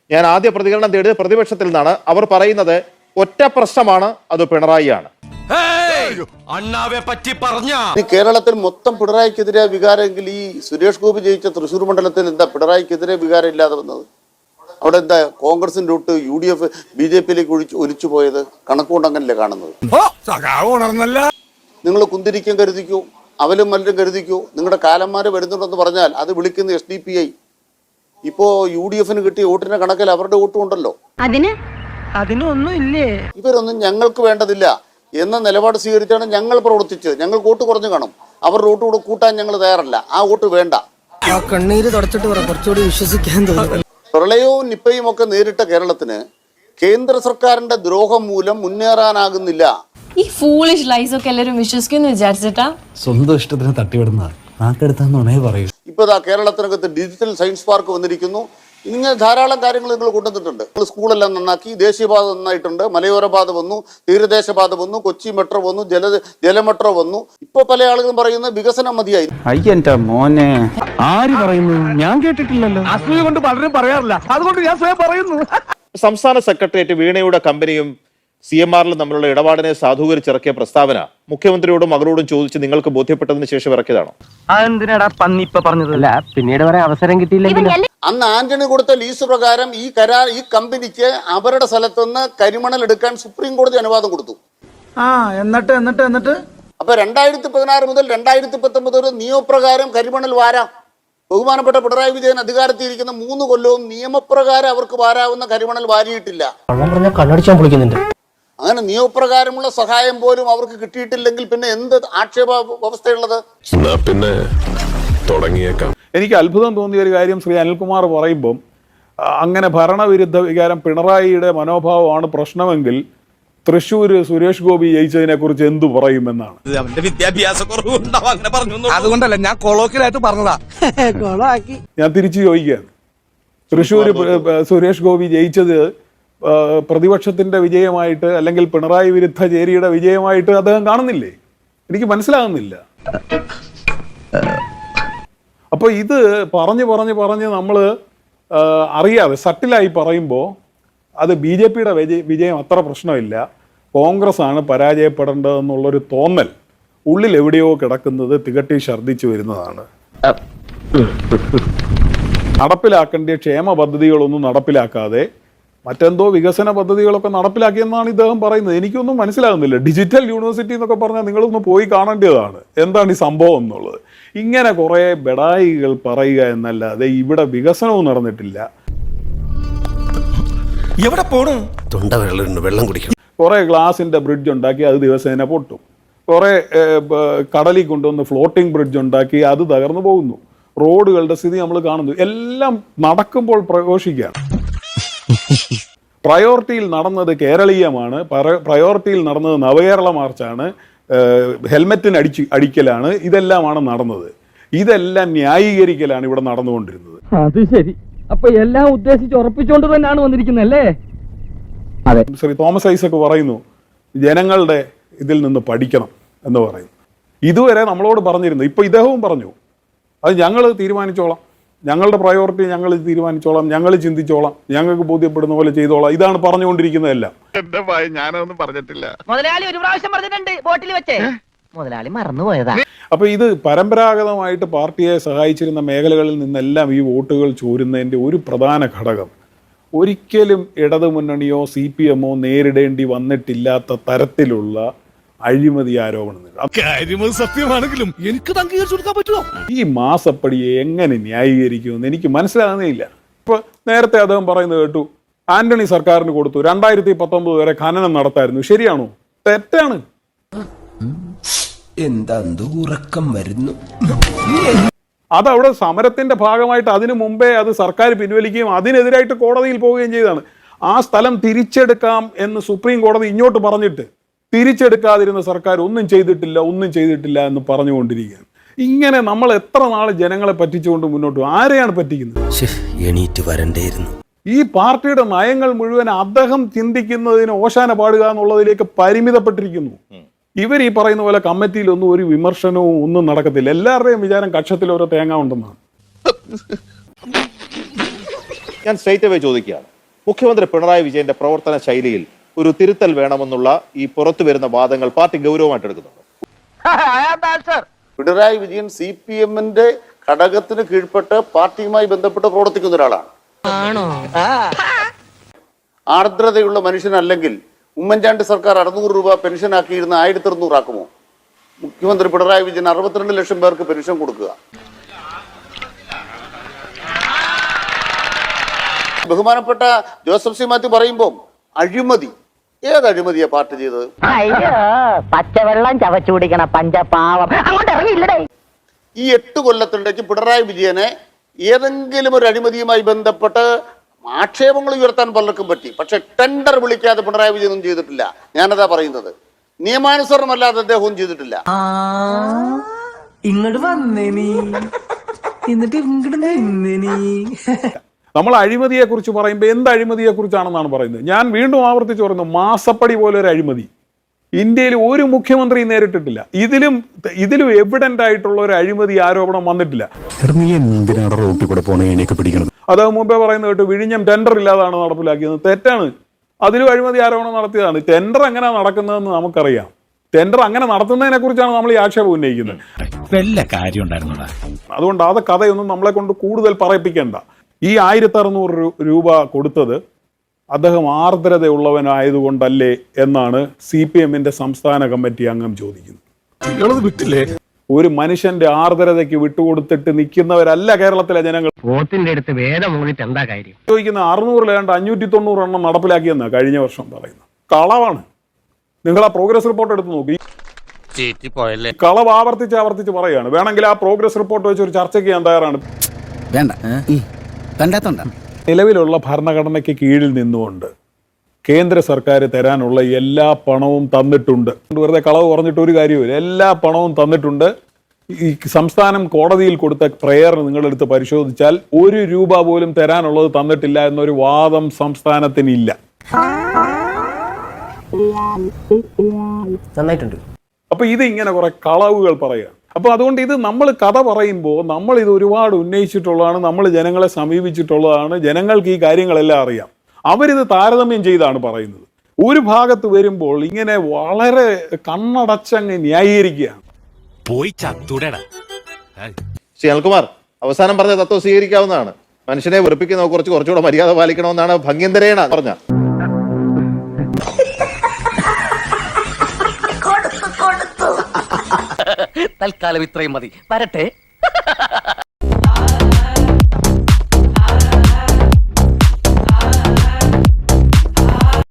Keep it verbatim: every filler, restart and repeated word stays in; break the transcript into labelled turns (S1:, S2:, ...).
S1: ഞാൻ ആദ്യ പ്രതികരണം തേടിയത് പ്രതിപക്ഷത്തിൽ നിന്നാണ്. അവർ പറയുന്നത് ഒറ്റ പ്രശ്നമാണ്, അത് പിണറായിയാണ്.
S2: കേരളത്തിൽ മൊത്തം പിണറായിക്കെതിരെ വികാരമെങ്കിൽ ഈ സുരേഷ് ഗോപി ജയിച്ച തൃശ്ശൂർ മണ്ഡലത്തിൽ എന്താ പിണറായിക്കെതിരെ വികാരം ഇല്ലാതെ വന്നത്? അവിടെ എന്താ കോൺഗ്രസിന്റെ തൊട്ട് U D F B J പിയിലേക്ക് ഒഴിച്ചു ഒലിച്ചു പോയത്? കണക്കുകൊണ്ട് അങ്ങനല്ലേ കാണുന്നത്? നിങ്ങൾ കുന്തിരിക്കം കരുതിക്കൂ, അവലും മല്ലും കരുതിക്കൂ. നിങ്ങളുടെ കാലന്മാര് വരുന്നുണ്ടെന്ന് പറഞ്ഞാൽ അത് വിളിക്കുന്ന എസ് ഡി പി ഐ. ഇപ്പോ യു ഡി എഫിന് കിട്ടിയ വോട്ടിന്റെ കണക്കിൽ അവരുടെ വോട്ടും ഉണ്ടല്ലോ.
S3: അതിന് അതിനൊന്നും ഇല്ലേ?
S2: ഇവരൊന്നും ഞങ്ങൾക്ക് വേണ്ടതില്ല എന്ന നിലപാട് സ്വീകരിച്ചാണ് ഞങ്ങൾ പ്രവർത്തിച്ചത്. ഞങ്ങൾ വോട്ട് കുറഞ്ഞു കാണും, അവരുടെ വോട്ട് കൂടെ കൂട്ടാൻ ഞങ്ങൾ തയ്യാറല്ല. ആ വോട്ട് വേണ്ട.
S4: കണ്ണീര് തുടച്ചിട്ട് കുറച്ചുകൂടി വിശ്വസിക്കാൻ തോന്നുന്നു.
S2: പ്രളയവും നിപ്പയും ഒക്കെ നേരിട്ട കേരളത്തിന് കേന്ദ്ര സർക്കാരിന്റെ ദ്രോഹം മൂലം മുന്നേറാനാകുന്നില്ല.
S5: ഈ ഫൂളിഷ് ലൈസ് ഒക്കെ എല്ലാവരും വിശ്വസിക്കുന്നു വിചാരിച്ചിട്ടാ?
S6: സ്വന്തം ഇഷ്ടത്തിന് തട്ടിവിടുന്ന നാക്കെടുത്താന്നുണേ പറയൂ.
S2: ഇപ്പൊ ഇതാ കേരളത്തിനകത്ത് ഡിജിറ്റൽ സയൻസ് പാർക്ക് വന്നിരിക്കുന്നു. ഇങ്ങനെ ധാരാളം കാര്യങ്ങൾ നിങ്ങൾ കൊണ്ടുവന്നിട്ടുണ്ട്. സ്കൂളെല്ലാം നന്നാക്കി, ദേശീയപാത നന്നായിട്ടുണ്ട്, മലയോര പാത വന്നു, തീരദേശ പാത വന്നു, കൊച്ചി മെട്രോ വന്നു, ജല ജല മെട്രോ വന്നു. ഇപ്പൊ പല ആളുകളും പറയുന്നത് വികസനം മതിയായി.
S6: അയ്യന്റെ മോനെ ആര് പറയുന്നു? ഞാൻ കേട്ടിട്ടില്ലല്ലോ. അസൂയ കൊണ്ട് പലരും പറയാറില്ല, അതുകൊണ്ട് ഞാൻ സ്വയം പറയുന്നു.
S1: സംസ്ഥാന സെക്രട്ടേറിയറ്റ് വീണയുടെ കമ്പനിയും സി എം ആറിലും തമ്മിലുള്ള ഇടപാടിനെ സാധൂകരിച്ചിറക്കിയ പ്രസ്താവന മുഖ്യമന്ത്രിയോടും മകളോടും ചോദിച്ച് നിങ്ങൾക്ക് ബോധ്യപ്പെട്ടതിന് ശേഷം ഇറക്കിയതാണോ?
S4: അതെന്തിനാടാ പന്നി ഇപ്പൊ പറഞ്ഞതല്ല, പിന്നീട് പറയാൻ അവസരം കിട്ടിയില്ലെങ്കിൽ.
S2: അന്ന് ആന്റണി കൊടുത്ത ലീസ് പ്രകാരം ഈ കരാർ ഈ കമ്പനിക്ക് അവരുടെ സ്ഥലത്തുനിന്ന് കരിമണൽ എടുക്കാൻ സുപ്രീം കോടതി അനുവാദം കൊടുത്തു.
S4: ആ എന്നിട്ട് എന്നിട്ട് എന്നിട്ട്
S2: അപ്പൊ രണ്ടായിരത്തി പതിനാറ് മുതൽ രണ്ടായിരത്തി പത്തൊമ്പത് വരെ നിയമപ്രകാരം കരിമണൽ വാരാം. ബഹുമാനപ്പെട്ട പിണറായി വിജയൻ അധികാരത്തിൽ ഇരിക്കുന്ന മൂന്ന് കൊല്ലവും നിയമപ്രകാരം അവർക്ക് വാരാവുന്ന കരിമണൽ വാരിയിട്ടില്ല.
S4: കണ്ണടിച്ചാൻ പൊളിക്കുന്നുണ്ട്.
S2: അങ്ങനെ നിയമപ്രകാരമുള്ള സഹായം പോലും അവർക്ക് കിട്ടിയിട്ടില്ലെങ്കിൽ പിന്നെ എന്ത് ആക്ഷേപ വ്യവസ്ഥയുള്ളത്?
S7: പിന്നെ തുടങ്ങിയേക്കാം.
S8: എനിക്ക് അത്ഭുതം തോന്നിയ ഒരു കാര്യം ശ്രീ അനിൽകുമാർ പറയുമ്പം അങ്ങനെ ഭരണവിരുദ്ധ വികാരം പിണറായിയുടെ മനോഭാവമാണ് പ്രശ്നമെങ്കിൽ തൃശ്ശൂർ സുരേഷ് ഗോപി ജയിച്ചതിനെ കുറിച്ച് എന്തു പറയുമെന്നാണ്.
S4: അതുകൊണ്ടല്ല ഞാൻ കൊളോക്കിലായിട്ട് പറഞ്ഞതാ.
S8: ഞാൻ തിരിച്ചു ചോദിക്കുകയാണ്, തൃശ്ശൂർ സുരേഷ് ഗോപി ജയിച്ചത് പ്രതിപക്ഷത്തിന്റെ വിജയമായിട്ട് അല്ലെങ്കിൽ പിണറായി വിരുദ്ധ ചേരിയുടെ വിജയമായിട്ട് അദ്ദേഹം കാണുന്നില്ലേ? എനിക്ക് മനസ്സിലാകുന്നില്ല. അപ്പോൾ ഇത് പറഞ്ഞ് പറഞ്ഞ് പറഞ്ഞ് നമ്മൾ അറിയാതെ സട്ടിലായി പറയുമ്പോൾ അത് ബി ജെ പിയുടെ വിജയ വിജയം അത്ര പ്രശ്നമില്ല, കോൺഗ്രസ് ആണ് പരാജയപ്പെടേണ്ടതെന്നുള്ളൊരു തോന്നൽ ഉള്ളിൽ എവിടെയോ കിടക്കുന്നത് തികട്ടി ഛർദ്ദിച്ചു വരുന്നതാണ്. നടപ്പിലാക്കേണ്ട ക്ഷേമ പദ്ധതികളൊന്നും നടപ്പിലാക്കാതെ മറ്റെന്തോ വികസന പദ്ധതികളൊക്കെ നടപ്പിലാക്കിയെന്നാണ് ഇദ്ദേഹം പറയുന്നത്. എനിക്കൊന്നും മനസ്സിലാകുന്നില്ല. ഡിജിറ്റൽ യൂണിവേഴ്സിറ്റി എന്നൊക്കെ പറഞ്ഞാൽ നിങ്ങളൊന്ന് പോയി കാണേണ്ടതാണ് എന്താണ് ഈ സംഭവം എന്നുള്ളത്. ഇങ്ങനെ കുറേ ബെടായികൾ പറയുക എന്നല്ലാതെ ഇവിടെ വികസനവും നടന്നിട്ടില്ല.
S7: എവിടെ പോണു? തൊണ്ട വെള്ളം കുടിക്കണം.
S8: കുറേ ഗ്ലാസിൻ്റെ ബ്രിഡ്ജ് ഉണ്ടാക്കി അത് ദിവസേന പൊട്ടും. കുറേ കടലിൽ കൊണ്ടുവന്ന് ഫ്ലോട്ടിംഗ് ബ്രിഡ്ജ് ഉണ്ടാക്കി അത് തകർന്നു പോകുന്നു. റോഡുകളുടെ സ്ഥിതി നമ്മൾ കാണുന്നു. എല്ലാം നടക്കുമ്പോൾ പ്രഘോഷിക്കുകയാണ്. പ്രയോറിറ്റിയിൽ നടന്നത് കേരളീയമാണ്, പ്രയോറിറ്റിയിൽ നടന്നത് നവകേരള മാർച്ചാണ്, ഹെൽമെറ്റിന് അടിച്ച് അടിക്കലാണ്, ഇതെല്ലാമാണ് നടന്നത്. ഇതെല്ലാം ന്യായീകരിക്കലാണ് ഇവിടെ നടന്നുകൊണ്ടിരുന്നത്.
S4: അത് ശരി. അപ്പൊ എല്ലാം ഉദ്ദേശിച്ച് ഉറപ്പിച്ചുകൊണ്ട് തന്നെയാണ് വന്നിരിക്കുന്നല്ലേ? അതെ.
S8: ശ്രീ തോമസ് ഐസക് പറയുന്നു ജനങ്ങളുടെ ഇതിൽ നിന്ന് പഠിക്കണം എന്ന് പറയുന്നു. ഇതുവരെ നമ്മളോട് പറഞ്ഞിരുന്നു, ഇപ്പൊ ഇദ്ദേഹവും പറഞ്ഞു അത് ഞങ്ങൾ തീരുമാനിച്ചോളാം, ഞങ്ങളുടെ പ്രയോറിറ്റി ഞങ്ങൾ തീരുമാനിച്ചോളാം, ഞങ്ങൾ ചിന്തിച്ചോളാം, ഞങ്ങൾക്ക് ബോധ്യപ്പെടുന്ന പോലെ ചെയ്തോളാം, ഇതാണ് പറഞ്ഞുകൊണ്ടിരിക്കുന്നതെല്ലാം.
S7: എന്റെ ഭയ ഞാനൊന്നും പറഞ്ഞിട്ടില്ല.
S3: മുതലാളി ഒരു പ്രാവശ്യം പറഞ്ഞിട്ടുണ്ട് ബോട്ടിൽ വെച്ചേ. മുതലാളി മറന്നുപോയതാ.
S8: അപ്പൊ ഇത് പരമ്പരാഗതമായിട്ട് പാർട്ടിയെ സഹായിച്ചിരുന്ന മേഖലകളിൽ നിന്നെല്ലാം ഈ വോട്ടുകൾ ചോരുന്നതിന്റെ ഒരു പ്രധാന ഘടകം ഒരിക്കലും ഇടതുമുന്നണിയോ സി പി എമ്മോ നേരിടേണ്ടി വന്നിട്ടില്ലാത്ത തരത്തിലുള്ള അഴിമതി ആരോപണങ്ങൾ.
S7: സത്യമാണെങ്കിലും എനിക്ക് അംഗീകരിച്ചു കൊടുക്കാൻ പറ്റുമോ?
S8: ഈ മാസപ്പടിയെ എങ്ങനെ ന്യായീകരിക്കുമെന്ന് എനിക്ക് മനസ്സിലാകുന്നേയില്ല. ഇപ്പൊ നേരത്തെ അദ്ദേഹം പറയുന്നത് കേട്ടു, ആന്റണി സർക്കാരിന് കൊടുത്തു, രണ്ടായിരത്തി പത്തൊമ്പത് വരെ ഖനനം നടത്തായിരുന്നു. ശരിയാണോ? തെറ്റാണ്.
S9: എന്താ ഉറക്കം വരുന്നു?
S8: അതവിടെ സമരത്തിന്റെ ഭാഗമായിട്ട് അതിനു മുമ്പേ അത് സർക്കാർ പിൻവലിക്കുകയും അതിനെതിരായിട്ട് കോടതിയിൽ പോവുകയും ചെയ്തതാണ്. ആ സ്ഥലം തിരിച്ചെടുക്കാം എന്ന് സുപ്രീം കോടതി ഇങ്ങോട്ട് പറഞ്ഞിട്ട് തിരിച്ചെടുക്കാതിരുന്ന സർക്കാർ ഒന്നും ചെയ്തിട്ടില്ല ഒന്നും ചെയ്തിട്ടില്ല എന്ന് പറഞ്ഞുകൊണ്ടിരിക്കുകയാണ്. ഇങ്ങനെ നമ്മൾ എത്ര നാൾ ജനങ്ങളെ പറ്റിച്ചുകൊണ്ട് മുന്നോട്ട് ആരെയാണ് പറ്റിക്കുന്നത്?
S9: എണീറ്റ് വരണ്ടേയിരുന്നു.
S8: ഈ പാർട്ടിയുടെ നയങ്ങൾ മുഴുവൻ അദ്ദേഹം ചിന്തിക്കുന്നതിന് ഓശാന പാടുക എന്നുള്ളതിലേക്ക് പരിമിതപ്പെട്ടിരിക്കുന്നു. ഇവർ ഈ പറയുന്ന പോലെ കമ്മിറ്റിയിലൊന്നും ഒരു വിമർശനവും ഒന്നും നടക്കത്തില്ല. എല്ലാവരുടെയും വിചാരം കക്ഷത്തിൽ ഓരോ തേങ്ങ ഉണ്ടെന്നാണ്.
S1: ഞാൻ സ്ട്രേറ്റ് അവേ ചോദിക്കുകയാണ്, മുഖ്യമന്ത്രി പിണറായി വിജയന്റെ പ്രവർത്തന ശൈലിയിൽ ഒരു തിരുത്തൽ വേണമെന്നുള്ള ഈ പുറത്തു വരുന്ന വാദങ്ങൾ പാർട്ടി ഗൗരവമായിട്ട് എടുക്കുന്നുണ്ട്.
S2: പിണറായി വിജയൻ സി പി എമ്മിന്റെ ഘടകത്തിന് കീഴ്പ്പെട്ട് പാർട്ടിയുമായി ബന്ധപ്പെട്ട് പ്രവർത്തിക്കുന്ന ഒരാളാണ്. ആർദ്രതയുള്ള മനുഷ്യനല്ലെങ്കിൽ ഉമ്മൻചാണ്ടി സർക്കാർ അറുന്നൂറ് രൂപ പെൻഷൻ ആക്കിയിരുന്ന ആയിരത്തി അറുന്നൂറ് ആക്കുമോ? മുഖ്യമന്ത്രി പിണറായി വിജയൻ അറുപത്തിരണ്ട് ലക്ഷം പേർക്ക് പെൻഷൻ കൊടുക്കുക. ബഹുമാനപ്പെട്ട ജോസഫ് സി മാത്യു പറയുമ്പോൾ അഴിമതി, ഏത് അഴിമതിയാ പാർട്ടി ചെയ്തത്?
S3: അയ്യോ പച്ചവെള്ളം ചവച്ചു കുടിക്കണ പഞ്ചപാവം അങ്ങോട്ട് ഇറങ്ങിയില്ലടേ.
S2: ഈ എട്ട് കൊല്ലത്തിനിടയ്ക്ക് പിണറായി വിജയനെ ഏതെങ്കിലും ഒരു അഴിമതിയുമായി ബന്ധപ്പെട്ട് ആക്ഷേപങ്ങൾ ഉയർത്താൻ പലർക്കും പറ്റി. പക്ഷെ ടെൻഡർ വിളിക്കാതെ പിണറായി വിജയനൊന്നും ചെയ്തിട്ടില്ല. ഞാനതാ പറയുന്നത്. നിയമാനുസരണമല്ലാതെ അദ്ദേഹവും ചെയ്തിട്ടില്ല.
S4: ഇങ്ങോട്ട് വന്നേ നീ, എന്നിട്ട് ഇങ്ങോട്ട് നിന്നേ നീ.
S8: നമ്മൾ അഴിമതിയെ കുറിച്ച് പറയുമ്പോൾ എന്ത് അഴിമതിയെ കുറിച്ചാണെന്നാണ് പറയുന്നത്. ഞാൻ വീണ്ടും ആവർത്തിച്ച് പറയുന്നു, മാസപ്പടി പോലെ ഒരു അഴിമതി ഇന്ത്യയിൽ ഒരു മുഖ്യമന്ത്രി നേരിട്ടിട്ടില്ല. ഇതിലും ഇതിലും എവിഡന്റ് ആയിട്ടുള്ള ഒരു അഴിമതി ആരോപണം വന്നിട്ടില്ല. അത് മുമ്പേ പറയുന്നത് കേട്ട് വിഴിഞ്ഞം ടെൻഡർ ഇല്ലാതാണ് നടപ്പിലാക്കിയത്. തെറ്റാണ്. അതിലും അഴിമതി ആരോപണം നടത്തിയതാണ്. ടെൻഡർ എങ്ങനെ നടക്കുന്നതെന്ന് നമുക്കറിയാം. ടെൻഡർ അങ്ങനെ നടത്തുന്നതിനെ കുറിച്ചാണ് നമ്മൾ ഈ ആക്ഷേപം ഉന്നയിക്കുന്നത്. അതുകൊണ്ട് അത് കഥയൊന്നും നമ്മളെ കൊണ്ട് കൂടുതൽ പറയിപ്പിക്കേണ്ട. ഈ ആയിരത്തി അറുന്നൂറ് രൂപ കൊടുത്തത് അദ്ദേഹം ആർദ്രതയുള്ളവനായതുകൊണ്ടല്ലേ എന്നാണ് സി പി എമ്മിന്റെ സംസ്ഥാന കമ്മിറ്റി അംഗം ചോദിക്കുന്നത്. ഒരു മനുഷ്യന്റെ ആർദ്രതയ്ക്ക് വിട്ടുകൊടുത്തിട്ട് നിൽക്കുന്നവരല്ല കേരളത്തിലെ ജനങ്ങൾ.
S4: എന്താ കാര്യം
S8: ചോദിക്കുന്ന അറുന്നൂറിലേണ്ട അഞ്ഞൂറ്റി തൊണ്ണൂറ് എണ്ണം നടപ്പിലാക്കിയെന്നാണ് കഴിഞ്ഞ വർഷം പറയുന്നത്. കളവാണ്. നിങ്ങൾ ആ പ്രോഗ്രസ് റിപ്പോർട്ട് എടുത്ത് നോക്കി. കളവ് ആവർത്തിച്ച് ആവർത്തിച്ച് പറയുകയാണ്. വേണമെങ്കിൽ ആ പ്രോഗ്രസ് റിപ്പോർട്ട് വെച്ച് ഒരു ചർച്ചയ്ക്ക് ഞാൻ തയ്യാറാണ്.
S6: വേണ്ട കണ്ടാത്തോണ്ട
S8: നിലവിലുള്ള ഭരണഘടനയ്ക്ക് കീഴിൽ നിന്നുകൊണ്ട് കേന്ദ്ര സർക്കാർ തരാനുള്ള എല്ലാ പണവും തന്നിട്ടുണ്ട്. വെറുതെ കളവ് പറഞ്ഞിട്ട് ഒരു കാര്യമില്ല. എല്ലാ പണവും തന്നിട്ടുണ്ട്. ഈ സംസ്ഥാനം കോടതിയിൽ കൊടുത്ത പ്രയർ നിങ്ങളെടുത്ത് പരിശോധിച്ചാൽ ഒരു രൂപ പോലും തരാനുള്ളത് തന്നിട്ടില്ല എന്നൊരു വാദം സംസ്ഥാനത്തിനില്ല.
S4: നന്നായിട്ടുണ്ട്.
S8: അപ്പൊ ഇത് ഇങ്ങനെ കുറെ കളവുകൾ പറയുക. അപ്പൊ അതുകൊണ്ട് ഇത് നമ്മൾ കഥ പറയുമ്പോൾ നമ്മൾ ഇത് ഒരുപാട് ഉന്നയിച്ചിട്ടുള്ളതാണ്, നമ്മൾ ജനങ്ങളെ സമീപിച്ചിട്ടുള്ളതാണ്. ജനങ്ങൾക്ക് ഈ കാര്യങ്ങളെല്ലാം അറിയാം. അവരിത് താരതമ്യം ചെയ്താണ് പറയുന്നത്. ഒരു ഭാഗത്ത് വരുമ്പോൾ ഇങ്ങനെ വളരെ കണ്ണടച്ചങ്ങ് ന്യായീകരിക്കുകയാണ്.
S7: പോയി ചത്തുടടാ.
S1: ശ്രീ അനിൽകുമാർ, അവസാനം പറഞ്ഞ തത്വം സ്വീകരിക്കാവുന്നതാണ്. മനുഷ്യനെ വെറുപ്പിക്കുന്ന കുറച്ച് കുറച്ചുകൂടെ മര്യാദ പാലിക്കണമെന്നാണ് ഭംഗ്യന്തരേണ പറഞ്ഞ.
S3: തൽക്കാലം ഇത്രയും മതി. വരട്ടെ.